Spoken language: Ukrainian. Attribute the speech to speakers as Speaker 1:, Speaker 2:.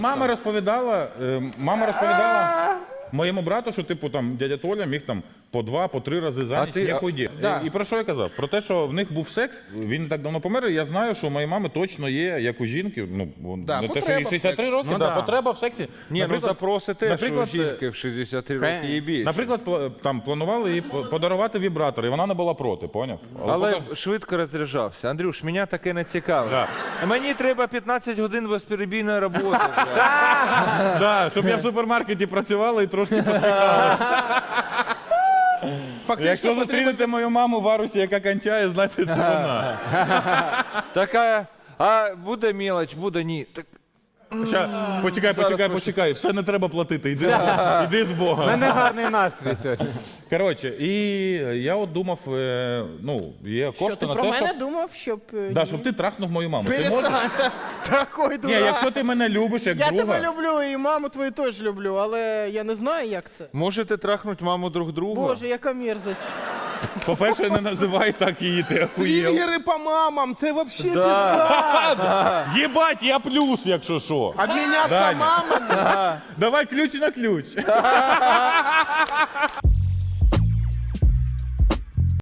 Speaker 1: Мама розповідала моєму брату, що типу там дядя Толя міг там по 2, по 3 рази за ніч не ходити. І про що я казав? Про те, що в них був секс, він не так давно помер, і я знаю, що у моєї мами точно є, як у жінки, не те, що їй 63 роки, потреба в сексі.
Speaker 2: Ні, ну запроси теж у жінки в 63 роки і більше.
Speaker 1: Наприклад, там планували їй подарувати вібратор, і вона не була проти, поняв?
Speaker 2: Але швидко розряджався. Андрюш, мене таке не цікавить. Мені треба 15 годин безперебійної роботи.
Speaker 1: Щоб я в супермаркеті працювала і трошки посміхалася. Якщо зустрінете мою маму в Арусі, яка кончає, знайте, це вона.
Speaker 2: Така, а буде мелоч, буде ні.
Speaker 1: Почекай, все не треба платити, іди з Бога.
Speaker 3: У мене гарний настрій сьогодні.
Speaker 1: Коротше, і я от думав, є
Speaker 4: Що
Speaker 1: кошти
Speaker 4: ти
Speaker 1: на
Speaker 4: про
Speaker 1: те,
Speaker 4: мене
Speaker 1: щоб...
Speaker 4: думав, щоб...
Speaker 1: Да, щоб ти трахнув мою маму. Ти можеш?
Speaker 4: Перестань, такой
Speaker 1: Ні,
Speaker 4: дурак.
Speaker 1: якщо ти мене любиш, як
Speaker 4: Я
Speaker 1: друга...
Speaker 4: тебе люблю і маму твою теж люблю, але я не знаю, як це.
Speaker 2: Можете трахнути маму друг друга?
Speaker 4: Боже, яка мерзость.
Speaker 1: По-перше, не називай так її, ти охуєв.
Speaker 5: Свінгери по мамам, це вообще
Speaker 1: Єбать, я плюс, якщо що.
Speaker 5: обміняться
Speaker 1: Даня.
Speaker 5: мамами.
Speaker 1: Давай ключ на ключ.